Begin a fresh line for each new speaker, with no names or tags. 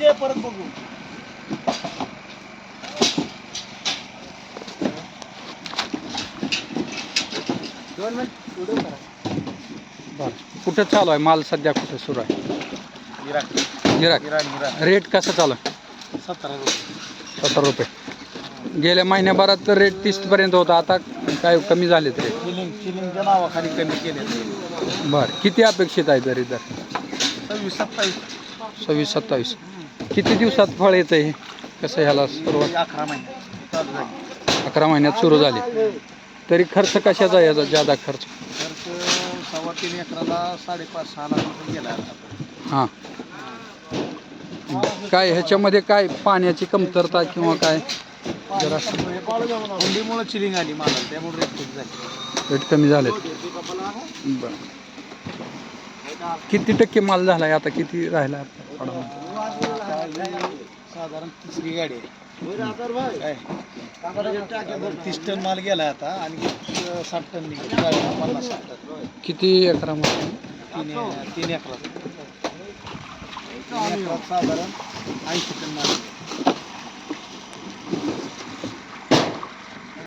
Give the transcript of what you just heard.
ये परत बघू.
कुठं चालू आहे माल सध्या, कुठं सुरू आहे? गिराक. रेट कसं चालू आहे?
17 रुपये.
17 रुपये. गेल्या महिन्याभरात तर रेट 30 पर्यंत होता, आता काय कमी झालेत रेट?
चिलिंगच्या नावाखाली कमी केले.
बरं, किती अपेक्षित आहे तरी दर?
26-27.
26-27. किती दिवसात फळ येतं हे? कसं ह्याला सुरुवात?
11 महिन्यात चालू झाली.
11 महिन्यात सुरू झाली. तरी खर्च कशाचा आहे याचा जादा खर्च?
खर्च 3.25 एकराला 5.5-6 लाख रुपये गेला.
हां. काय ह्याच्यामध्ये काय पाण्याची कमतरता किंवा काय जरा
हुंडीमुळे चिलिंग आली मला, त्यामुळे रेट खूप झाली.
रेट कमी झालेत? बरं. किती टक्के माल झाला आहे आता, किती राहिला
साधारण 3री गाडी आहे. 30 टन माल गेला आता आणि 60 टन निघेल. 50 टन.
किती एकरामध्ये?
3 एकरात साधारण 80 टन माल.